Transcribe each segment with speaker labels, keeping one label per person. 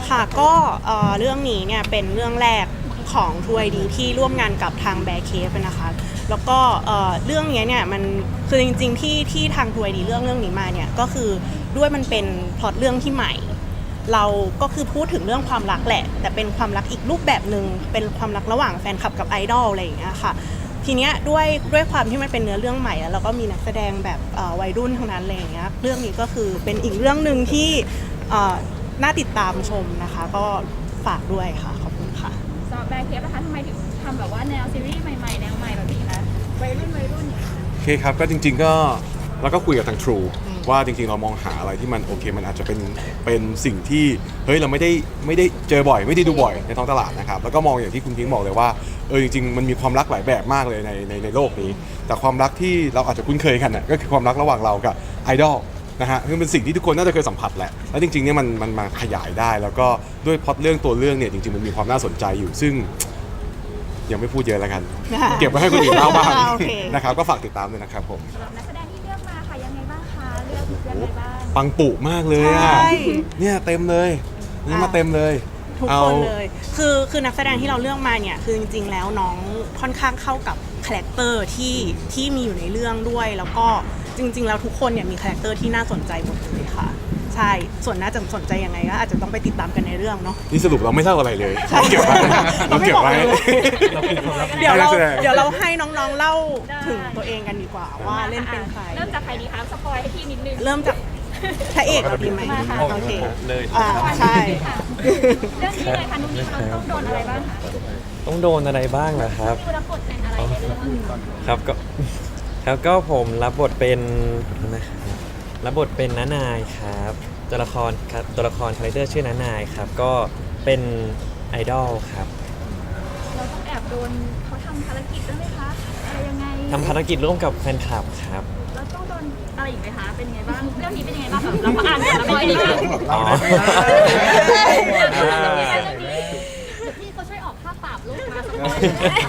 Speaker 1: ค่ะก็เรื่องนี้เนี่ยเป็นเรื่องแรกของทวยดีที่ร่วมงานกับทางแบร์เคฟนะคะแล้วก็เรื่องนี้เนี่ยมันคือจริงๆที่ทางทวยดีเรื่องนี้มาเนี่ยก็คือด้วยมันเป็นพล็อตเรื่องที่ใหม่เราก็คือพูดถึงเรื่องความรักแหละแต่เป็นความรักอีกรูปแบบหนึ่งเป็นความรักระหว่างแฟนคลับกับไอดอลอะไรอย่างเงี้ยค่ะทีเนี้ยด้วยความที่มันเป็นเนื้อเรื่องใหม่แล้วก็มีนักแสดงแบบวัยรุ่นทั้งนั้นอะไรอย่างเงี้ยเรื่องนี้ก็คือเป็นอีกเรื่องหนึ่งที่น่าติดตามชมนะคะก็ฝากด้วยค่ะขอบคุณค่ะ
Speaker 2: สำหรับแบร์เคฟนะคะทำไมถึงทำแบบว่าแนวซีรีส์ใหม่ๆแนวใหม่แบบนี้คะวัยรุ่นอย่างเงี้ย
Speaker 3: โอเคครับก็จริงๆก็เราก็คุยกับทาง True ว่าจริงๆเรามองหาอะไรที่มันโอเคมันอาจจะเป็นสิ่งที่เฮ้ยเราไม่ได้เจอบ่อยไม่ได้ดูบ่อยในท้องตลาดนะครับแล้วก็มองอย่างที่คุณพิงค์บอกเลยว่าจริงๆมันมีความรักหลายแบบมากเลยในโลกนี้แต่ความรักที่เราอาจจะคุ้นเคยกันน่ะก็คือความรักระหว่างเรากับไอดอลนะฮะซึ่งเป็นสิ่งที่ทุกคนน่าจะเคยสัมผัสแหละแล้วจริงๆเนี่ยมันมาขยายได้แล้วก็ด้วยพล็อตเรื่องตัวเรื่องเนี่ยจริงๆมันมีความน่าสนใจอยู่ซึ่งยังไม่พูดเยอะแล้วกันเก็บไว้ให้คนอื่นเล่าบ้างนะครับก็ฝากติดตามด้วยนะครับผม
Speaker 2: สำหรับนักแสดงที่เลือกมาค่ะยังไงบ้างคะเลือกอะไรบ้าง
Speaker 3: ปังปุมากเลยอ่ะเนี่ยเต็มเลยนี่มาเต็มเลย
Speaker 1: ทุกคนเลยคือนักแสดงที่เราเลือกมาเนี่ยคือจริงๆแล้วน้องค่อนข้างเข้ากับคาแรคเตอร์ที่มีอยู่ในเรื่องด้วยแล้วก็จริงๆแล้วทุกคนเนี่ยมีคาแรคเตอร์ที่น่าสนใจหมดเลยค่ะใช่ส่วนน่าจะสนใจยังไงก็อาจจะต้องไปติดตามกันในเรื่องเนาะ
Speaker 3: นี่สรุปเราไม่เล่าอะไรเลยเราเก็บไว้เราเก็บไว้
Speaker 1: เดี๋ยวเราให้น้องๆเล่าถึงตัวเองกันดีกว่าว่าเล่นเป็นใคร
Speaker 2: เริ่มจากใครดีคะสปอยให้พี่นิดนึง
Speaker 1: เริ่มจากพระเอกเราดีไหมโอเค
Speaker 4: เลย
Speaker 1: ใช่
Speaker 2: เรื่องนี้เลยค่ะนุ่นนี่เราต้องโดนอะไรบ้างคะ
Speaker 4: ต้องโดนอะไรบ้างเหรอครับ
Speaker 2: คุณรับบทเป็นอะไรในเรื่อง
Speaker 4: ครับก็ผมรับบทเป็นน้านายครับตัวละครคาแรคเตอร์ชื่อน้านายครับก็เป็นไอดอลครับ
Speaker 2: เราต้องแอบโดนเขาทำภารกิจด้วยไหมคะอะไรยังไง
Speaker 4: ทำภารกิจร่วมกับแฟนคลับครับ
Speaker 2: เราต้องโดนอะไรอีกไหมคะเป็นยังไงบ้างเรื่องนี้เป็นยังไงบ้างเราอ่านกันแล้วเป็นยังไงบ้างเดี๋ยวพี่เขาช่วยออกค่าปรับลูกมาสักหน่อย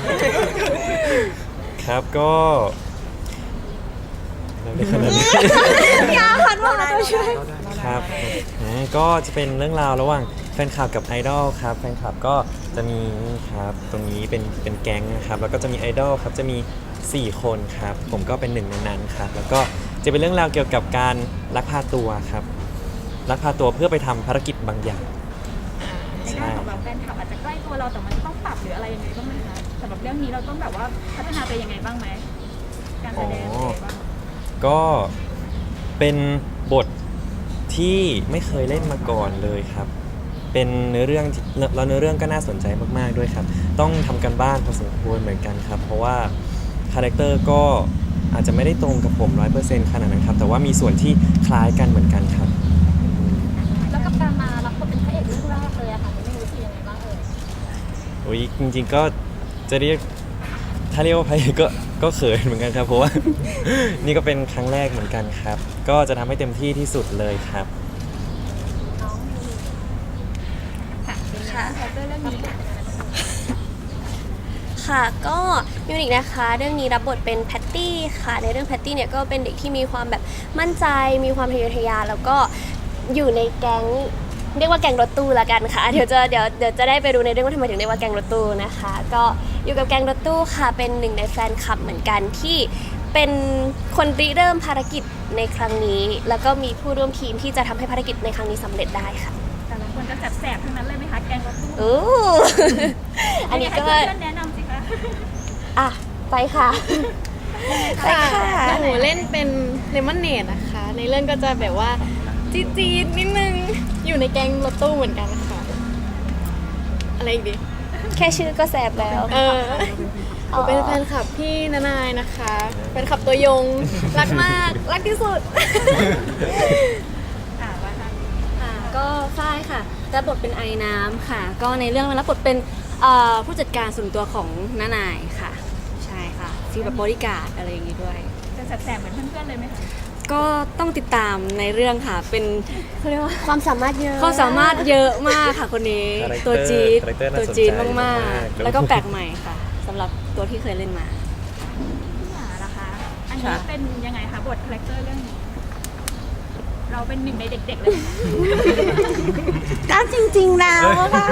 Speaker 4: ครับก็
Speaker 1: ยาคันว่าเราต้องช่วย
Speaker 4: ครับก็จะเป็นเรื่องราวระหว่างแฟนคลับกับไอดอลครับแฟนคลับก็จะมีครับตรงนี้เป็นแก๊งนะครับแล้วก็จะมีไอดอลครับจะมี4คนครับผมก็เป็นหนึ่งในนั้นครับแล้วก็จะเป็นเรื่องราวเกี่ยวกับการลักพาตัวครับลักพาตัวเพื่อไปทำภารกิจบางอย่าง
Speaker 2: ในด้านของแบบแฟนคลับอาจจะใกล้ตัวเราแต่มันต้องปรับหรืออะไรยังไงบ้างไหมคะสำหรับเรื่องนี้เราต้องแบบว่าพัฒนาไปยังไงบ้างไหมการแสดงอะไรบ้าง
Speaker 4: ก็เป็นบทที่ไม่เคยเล่นมาก่อนเลยครับเป็นเนื้อเรื่องแล้วเนื้อเรื่องก็น่าสนใจมากๆด้วยครับต้องทำกันบ้านพอสมควรเหมือนกันครับเพราะว่าคาแรคเตอร์ก็อาจจะไม่ได้ตรงกับผม 100% ขนาดนั้นครับแต่ว่ามีส่วนที่คล้ายกันเหมือนกันครับ
Speaker 2: แล้วกับการมารับบทเป็นพระเอกเรื่องแรกเลยอะค่ะไม่รู้สึกยังไงบ้าง
Speaker 4: จริงๆก็จะเรียกถ้าเรียกว่าพระเอกก็เขินเหมือนกันครับเพราะว่า นี่ก็เป็นครั้งแรกเหมือนกันครับก็จะทำให้เต็มที่ที่สุดเลยครับ
Speaker 2: ค่ะเรื่องนี้
Speaker 5: ค่ะก็มิวนิกนะคะเรื่องนี้รับบทเป็นแพตตี้ค่ะในเรื่องแพตตี้เนี่ยก็เป็นเด็กที่มีความแบบมั่นใจมีความทะเยอทะยานแล้วก็อยู่ในแก๊งเรียกว่าแก๊งรถตู้ละกันค่ะเดี๋ยวจะได้ไปดูในเรื่องว่าทำไมถึงเรียกว่าแก๊งรถตู้นะคะก็อยู่กับแก๊งรถตู้ค่ะเป็นหนึ่งในแฟนคลับเหมือนกันที่เป็นคนริเริ่มภารกิจในครั้งนี้แล้วก็มีผู้ร่วมทีมที่จะทำให้ภารกิจในครั้งนี้สำเร็จได้ค่ะ
Speaker 2: แต่ละคนจะแสบๆทั้งนั้นเลยไหมคะแก๊งรถตู้
Speaker 5: อันนี้ก็
Speaker 2: แนะนำสิคะ
Speaker 5: ไปค่ะ
Speaker 6: หนูเล่นเป็นเลมอนเนดนะคะในเรื่องก็จะแบบว่าจี๊ดนิดนึงอยู่ในแก๊งรถตู้เหมือนกันค่ะอะไรอีกดิ
Speaker 5: แค่ชื่อก็แสบแล้ว
Speaker 6: หนูเป็นแฟนคลับพี่นานายนะคะแฟนคลับตัวยงรักมากรักที่สุด
Speaker 7: ก็ฝ้ายค่ะรับบทเป็นไอน้ำค่ะก็ในเรื่องรับบทเป็นผู้จัดการส่วนตัวของน้านายค่ะใช่ค่ะฟีลแบบบริการดอะไรอย่างงี้ด้วย
Speaker 2: จะแสบๆเหมือนเพื่อนๆเลยไหมคะ
Speaker 7: ก็ต้องติดตามในเรื่องค่ะเป็นเขาเรียกว่า
Speaker 5: ความสามารถเยอะ
Speaker 7: มากค่ะคนนี้ตัวจี๊ดมากๆแล้วก็แปลกใหม่ค่ะสำหรับตัวที่เคยเล่นมา
Speaker 2: พี่หมาล่ะคะอันนี้เป็นยังไงคะบทคาแรคเตอร์เรื่องนี้เราเป็นหนึ่งในเด็กๆเลยไหมคะ
Speaker 8: ก็จริงๆแล้วค่ะ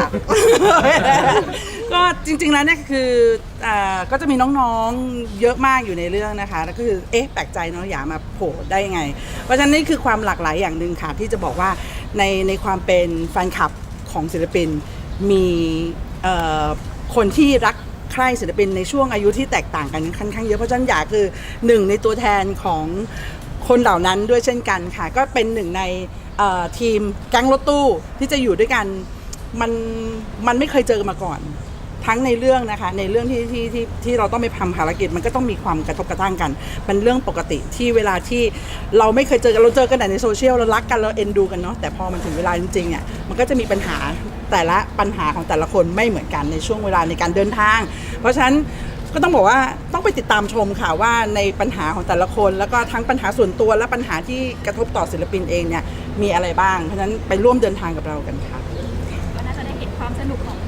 Speaker 8: ก็จริงๆแล้วเนี่ยคือก็จะมีน้องๆเยอะมากอยู่ในเรื่องนะคะแล้วก็คือแปลกใจเนาะอย่ามาโผล่ได้ยังไง เพราะฉะนั้นนี่คือความหลากหลายอย่างหนึ่งค่ะที่จะบอกว่าในความเป็นแฟนคลับของศิลปินมีคนที่รักใคร่ศิลปินในช่วงอายุที่แตกต่างกันค่อนข้างเยอะเพราะฉะนั้นอยากคือหนึ่งในตัวแทนของคนเหล่านั้นด้วยเช่นกันค่ะก็เป็นหนึ่งในทีมแก๊งรถตู้ที่จะอยู่ด้วยกันมันไม่เคยเจอกันมาก่อนทั้งในเรื่องนะคะในเรื่องที่เราต้องไปทำภารกิจมันก็ต้องมีความกระทบกระทั่งกันเป็นเรื่องปกติที่เวลาที่เราไม่เคยเจอกันเราเจอกันแต่ในโซเชียลเรารักกันเราเอ็นดูกันเนาะแต่พอมันถึงเวลาจริงๆเนี่ยมันก็จะมีปัญหาแต่ละปัญหาของแต่ละคนไม่เหมือนกันในช่วงเวลาในการเดินทางเพราะฉะนั้นก็ต้องบอกว่าต้องไปติดตามชมค่ะว่าในปัญหาของแต่ละคนแล้วก็ทั้งปัญหาส่วนตัวและปัญหาที่กระทบต่อศิลปินเองเนี่ยมีอะไรบ้างเพราะฉะนั้นไปร่วมเดินทางกับเรากันค่ะ
Speaker 2: ก็น่าจะได้เห็นความสนุกของ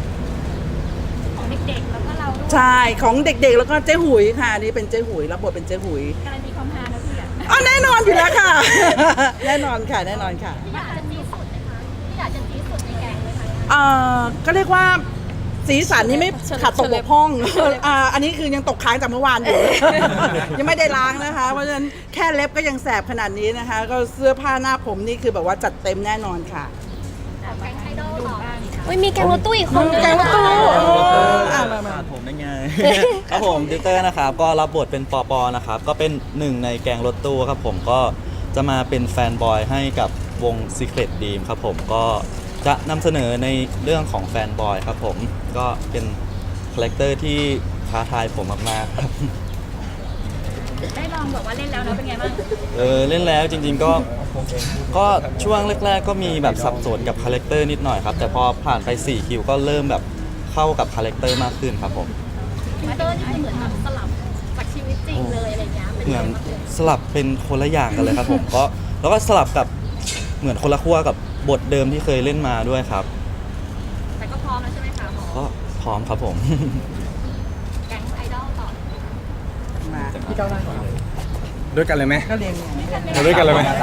Speaker 2: เด็กๆแล้วก็เราด้วย
Speaker 8: ใช่ของเด็กๆแล้วก็เจ๊หุยค่ะนี่เป็นเจ๊หุยรับบทเป็นเจ๊หุย
Speaker 2: การันตีความฮานะพี่อ่ะ
Speaker 8: อ๋อแน่นอนอยู่แล้วค่ะ แน่นอนค่ะแน่นอนค่ะ
Speaker 2: อยากจะจี๊ดสุดไหมคะที่อยากจะจี๊ดสุดในแกงไหมคะ
Speaker 8: ก็เรียกว่าสีสันนี่ไม่ขาดตกบกพร่องอันนี้คือยังตกค้างจากเมื่อวานอยู่ ยังไม่ได้ล้างนะคะเพราะฉะนั้นแค่เล็บก็ยังแสบขนาดนี้นะคะ ก็เสื้อผ้าหน้าผมนี่คือแบบว่าจัดเต็มแน่นอนค่ะ
Speaker 2: แกงไอดอลต่อบ้าง
Speaker 5: อุ้ยมีแกงรถตู้อีกคนนึง
Speaker 8: แกงรถตู้
Speaker 9: มาผมได้ไง ครับผมดิวเตอร์นะครับก็รับบทเป็นปอปอนะครับก็เป็นหนึ่งในแกงรถตู้ครับผมก็จะมาเป็นแฟนบอยให้กับวง Secret Dream ครับผมก็จะนำเสนอในเรื่องของแฟนบอยครับผมก็เป็นคาแรคเตอร์ที่ท้าทายผมมากๆครับ
Speaker 2: ได้ลองแบบว่าเล่นแล้วนะเป็นไงบ้าง
Speaker 9: เล่นแล้วจริงๆก็ช่วงแรกๆก็มีแบบสับสนกับคาแรคเตอร์นิดหน่อยครับแต่พอผ่านไป4คิวก็เริ่มแบบเข้ากับคาแรคเตอร์มากขึ้นครับผม
Speaker 2: มาเตอร์นี่คือเหมือนแบบสลับจากชีวิตจริงเลยอะไรเงี้ยเป็น
Speaker 9: เหมื
Speaker 2: ไง
Speaker 9: อน
Speaker 2: บ้าง
Speaker 9: สลับเป็นคนละอย่างกันเลยครับผมก็แล้วก็สลับกับเหมือนคนละขั้วกับบทเดิมที่เคยเล่นมาด้วยครับ
Speaker 2: แต่ก็พร้อมแล้วใช่ไหมคะหมอ
Speaker 9: ก็พร้อมครับผม
Speaker 2: แก๊งไอดอลต่อ
Speaker 8: มา
Speaker 3: ด้วยกันเลยไหม
Speaker 8: ก็เรียน
Speaker 3: มาด้วยกันเลยไหมครับ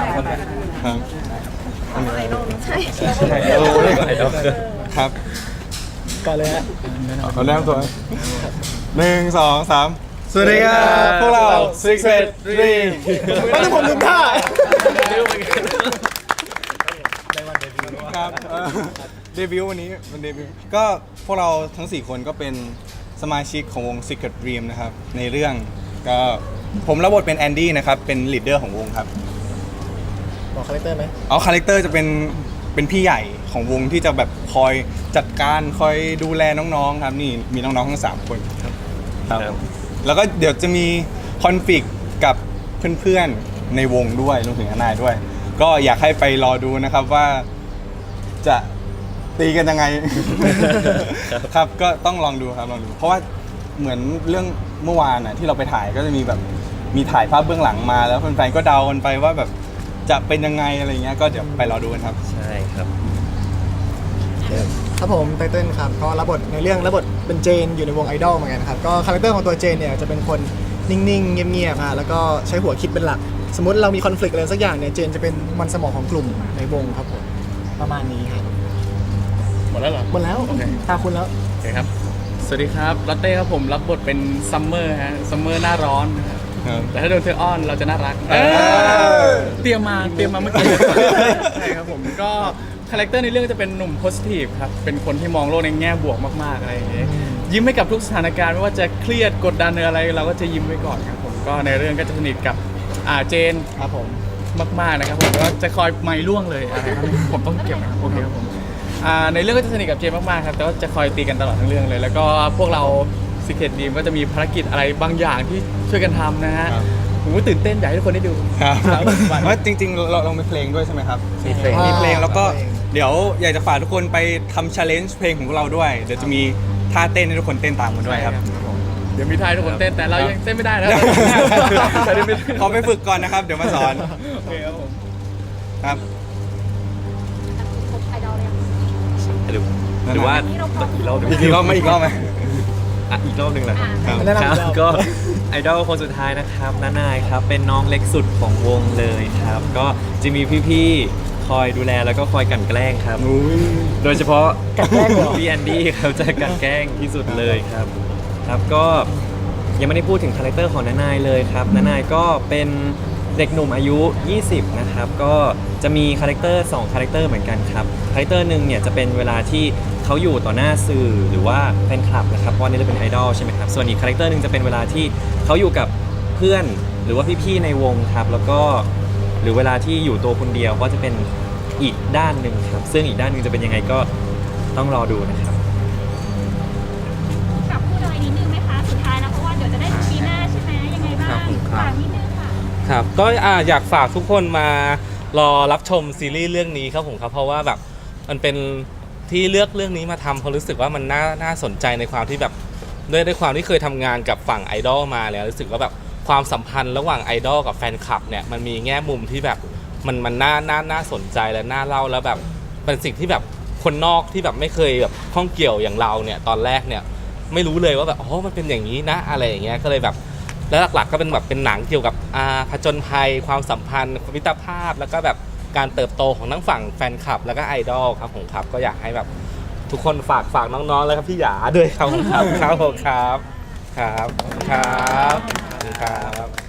Speaker 3: ครับก่อนเลยฮะเอาแนะนำตัว1 2 3สวัสดีครับพวกเรา Secret Dream ไม่ต้องผมลืมท่าครับเดบิวต์วันนี้มันเดบิวต์ก็พวกเราทั้ง4คนก็เป็นสมาชิกของวง Secret Dream นะครับในเรื่องก็ผมรับบทเป็นแอนดี้นะครับเป็นลีดเดอร์ของวงครับบอกคาแรคเตอร์ไหมอ๋อคาแรคเตอร์จะเป็นพี่ใหญ่ของวงที่จะแบบคอยจัดการคอยดูแลน้องๆครับนี่มีน้องๆทั้ง3คนครับแล้วก็เดี๋ยวจะมีคอนฟ lict กับเพื่อนๆในวงด้วยรวมถึงนายด้วย ก็อยากให้ไปรอดูนะครับว่าจะตีกันยังไง ครับก็ต้องลองดูครับลองดู เพราะว่าเหมือนเรื่องเมื่อวานน่ะที่เราไปถ่ายก็จะมีแบบมีถ่ายภาพเบื้องหลังมาแล้วแฟนๆก็เดากันไปว่าแบบจะเป็นยังไงอะไรเงี้ยก็เดี๋ยวไปรอดูกันครับ
Speaker 4: ใช่ครับ
Speaker 10: ครับผมไตเติ้ลครับก็รับบทในเรื่องรับบทเป็นเจนอยู่ในวงไอดอลเหมือนกันครับก็คาแรคเตอร์ของตัวเจนเนี่ยจะเป็นคนนิ่งๆเงียบๆฮะแล้วก็ใช้หัวคิดเป็นหลัก สมมติเรามีคอน FLICT อะไรสักอย่างเนี่ยเจนจะเป็นมันสมองของกลุ่มในวงครับผมประมาณนี้ครับ
Speaker 11: หมดแล้วเหรอ
Speaker 10: หมดแล้วตาคุณแล้ว
Speaker 11: โอเคครับ สวัสดีครับลอตเต้ครับผมรับบทเป็นซัมเมอร์ฮะซัมเมอร์หน้าร้อนนะครับแต่ถ้าโดนเธออ้อนเราจะน่ารักเตรียมมาเมื่อกี้ใช่ครับผมก็คาแรคเตอร์ในเรื่องจะเป็นหนุ่มโพสิทีฟครับเป็นคนที่มองโลกในแง่บวกมากๆอะไรอย่างเงี้ยยิ้มให้กับทุกสถานการณ์ไม่ว่าจะเครียดกดดันหรืออะไรเราก็จะยิ้มไว้ก่อนครับผมก็ในเรื่องก็จะสนิทกับเจนครับผมมากๆนะครับผมก็จะคอยไม่ล่วงเลยอะไรครับผมต้องเก็บนะโอเคครับผมในเรื่องก็จะสนิทกับเจนมากๆครับแต่ว่าจะคอยตีกันตลอดทั้งเรื่องเลยแล้วก็พวกเรา Secret Dream ก็จะมีภารกิจอะไรบางอย่างที่ช่วยกันทำนะฮะผมก็ตื่นเต้นอยากให้ทุกคนได้ดู
Speaker 3: ครับว่าจริงๆเรามีเพลงด้วยใช่ไหมครับ
Speaker 4: มีเพลง
Speaker 3: มีเพลงแล้วก็เดี๋ยวอยากจะฝากทุกคนไปทำ challenge เพลงของพวกเราด้วยเดี๋ยวจะมีท่าเต้นให้ทุกคนเต้นตามกันด้วยครับ
Speaker 11: เดี๋ยวมีท่าให้ทุกคนเต้นแต่เรายังเต้นไม่ได้นะ
Speaker 3: ขอไปฝึกก่อนนะครับเดี๋ยวมาสอน
Speaker 11: โอเคครับผม
Speaker 3: ครับ
Speaker 2: ครบไอดอลเลย
Speaker 4: หรือว่าอีกรอบหนึ่ง
Speaker 3: อีกรอบไหม
Speaker 4: อ่ะอีกรอบหนึ่งแหละครับ
Speaker 3: ครับ
Speaker 10: แนะนำอีกรอบ
Speaker 4: ก็ไอดอลคนสุดท้ายนะครับน้านายครับเป็นน้องเล็กสุดของวงเลยครับ ก็จะมีพี่ๆคอยดูแลแล้วก็คอยกลั่นแกล้งครับ โดยเฉพาะพี่แอนดี้ครับจะกลั่นแกล้งที่สุดเลยครับครับก็ยังไม่ได้พูดถึงคาแรคเตอร์ของน้านายเลยครับน้านายก็เป็นเด็กหนุ่มอายุ 20 นะครับก็จะมีคาแรคเตอร์2คาแรคเตอร์เหมือนกันครับคาแรคเตอร์หนึ่งเนี่ยจะเป็นเวลาที่เขาอยู่ต่อหน้าสื่อหรือว่าแฟนคลับนะครับเพราะว่านี่เราเป็นไอดอลใช่ไหมครับส่วนอีกคาแรคเตอร์หนึ่งจะเป็นเวลาที่เขาอยู่กับเพื่อนหรือว่าพี่ๆในวงครับแล้วก็หรือเวลาที่อยู่ตัวคนเดียวก็จะเป็นอีกด้านหนึ่งครับซึ่งอีกด้านหนึ่งจะเป็นยังไงก็ต้องรอดูนะครับ
Speaker 2: กับพูดอะไรนิดนึงไหมคะสุดท้ายนะเพราะว่าเดี๋ยวจะได้ปีหน้าใช่ไหมยังไงบ้าง
Speaker 12: ครับผมครับ
Speaker 2: ฝากนิดนึงค่ะ
Speaker 12: ครับก็อยากฝากทุกคนมารอรับชมซีรีส์เรื่องนี้ครับผมครับเพราะว่าแบบมันเป็นที่เลือกเรื่องนี้มาทำเพราะรู้สึกว่ามันน่าสนใจในความที่แบบด้วยความที่เคยทำงานกับฝั่งไอดอลมาแล้วรู้สึกว่าแบบความสัมพันธ์ระหว่างไอดอลกับแฟนคลับเนี่ยมันมีแง่มุมที่แบบมันน่าสนใจและน่าเล่าแล้วแบบเป็นสิ่งที่แบบคนนอกที่แบบไม่เคยแบบข้องเกี่ยวอย่างเราเนี่ยตอนแรกเนี่ยไม่รู้เลยว่าแบบอ๋อมันเป็นอย่างนี้นะอะไรอย่างเงี้ยก็เลยแบบแล้วหลักๆก็เป็นแบบเป็นหนังเกี่ยวกับผจญภัยความสัมพันธ์มิตรภาพแล้วก็แบบการเติบโตของทั้งฝั่งแฟนคลับแล้วก็ไอดอลครับผมครับก็อยากให้แบบทุกคนฝากน้องๆแล้วครับพี่หยาด้วยครับผมครับครับผมครับครับครับครับ